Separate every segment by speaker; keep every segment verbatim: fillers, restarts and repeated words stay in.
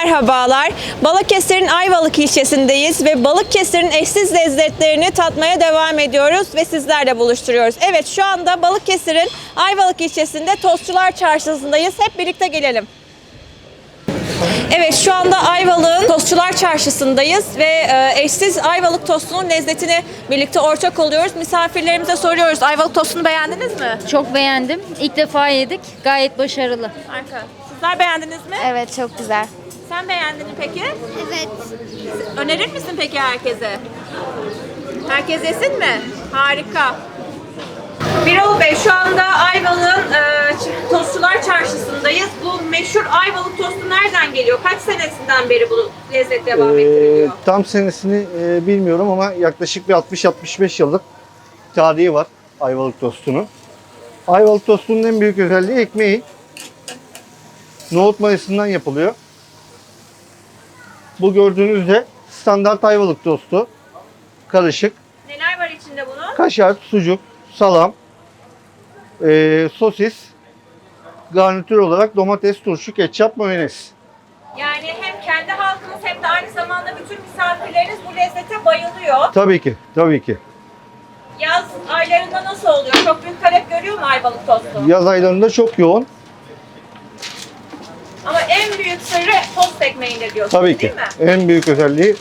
Speaker 1: Merhabalar. Balıkesir'in Ayvalık ilçesindeyiz ve Balıkesir'in eşsiz lezzetlerini tatmaya devam ediyoruz ve sizlerle buluşturuyoruz. Evet, şu anda Balıkesir'in Ayvalık ilçesinde Tostçular Çarşısı'ndayız. Hep birlikte gelelim. Evet, şu anda Ayvalık'ın Tostçular Çarşısı'ndayız ve e, eşsiz Ayvalık tostunun lezzetini birlikte ortak oluyoruz. Misafirlerimize soruyoruz. Ayvalık tostunu beğendiniz mi?
Speaker 2: Çok beğendim. İlk defa yedik. Gayet başarılı.
Speaker 1: Harika. Sizler beğendiniz mi?
Speaker 3: Evet, çok güzel.
Speaker 1: Sen beğendin mi peki?
Speaker 3: Evet.
Speaker 1: Önerir misin peki herkese? Herkes yesin mi? Harika. Birol Bey, şu anda Ayvalık'ın e, Tostçular Çarşısı'ndayız. Bu meşhur Ayvalık tostu nereden geliyor? Kaç senesinden beri bu lezzet devam
Speaker 4: Ee,
Speaker 1: ettiriliyor?
Speaker 4: tam senesini e, bilmiyorum ama yaklaşık bir altmış altmış beş yıllık tarihi var Ayvalık tostunun. Ayvalık tostunun en büyük özelliği ekmeği. Nohut mayasından yapılıyor. Bu gördüğünüz de standart Ayvalık tostu. Karışık.
Speaker 1: Neler var içinde bunun?
Speaker 4: Kaşar, sucuk, salam, e, sosis, garnitür olarak domates, turşu, ketçap, mayonez.
Speaker 1: Yani hem kendi halkımız hem de aynı zamanda bütün misafirleriniz bu lezzete bayılıyor.
Speaker 4: Tabii ki, tabii ki.
Speaker 1: Yaz aylarında nasıl oluyor? Çok büyük talep görüyor mu Ayvalık tostu?
Speaker 4: Yaz aylarında çok yoğun.
Speaker 1: Ama en büyük sırrı tost ekmeğinde diyorsunuz,
Speaker 4: Tabii ki.
Speaker 1: değil mi?
Speaker 4: En büyük özelliği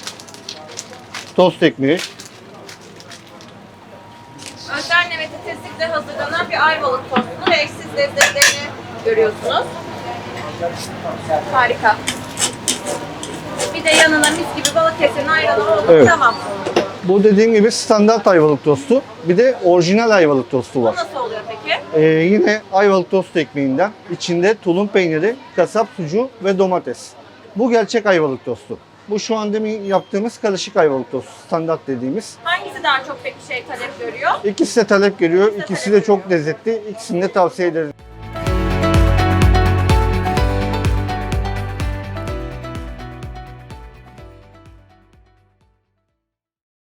Speaker 4: tost ekmeği.
Speaker 1: Özenle ve titizlikle hazırlanan bir Ayvalık tostunu ve eşsiz lezzetlerini görüyorsunuz. Harika. Bir de yanına mis gibi Balıkesir'in ayranı oldu.
Speaker 4: Evet.
Speaker 1: Tamam.
Speaker 4: Bu dediğim gibi standart Ayvalık tostu. Bir de orijinal Ayvalık tostu
Speaker 1: Bu
Speaker 4: var.
Speaker 1: nasıl oluyor peki?
Speaker 4: Ee, yine Ayvalık tost ekmeğinden. İçinde tulum peyniri, kasap sucuğu ve domates. Bu gerçek Ayvalık tostu. Bu şu an demin yaptığımız karışık Ayvalık tostu. Standart dediğimiz.
Speaker 1: Hangisi daha çok peki şey talep görüyor?
Speaker 4: İkisi de talep görüyor. İkisi de çok lezzetli. İkisini de tavsiye ederim.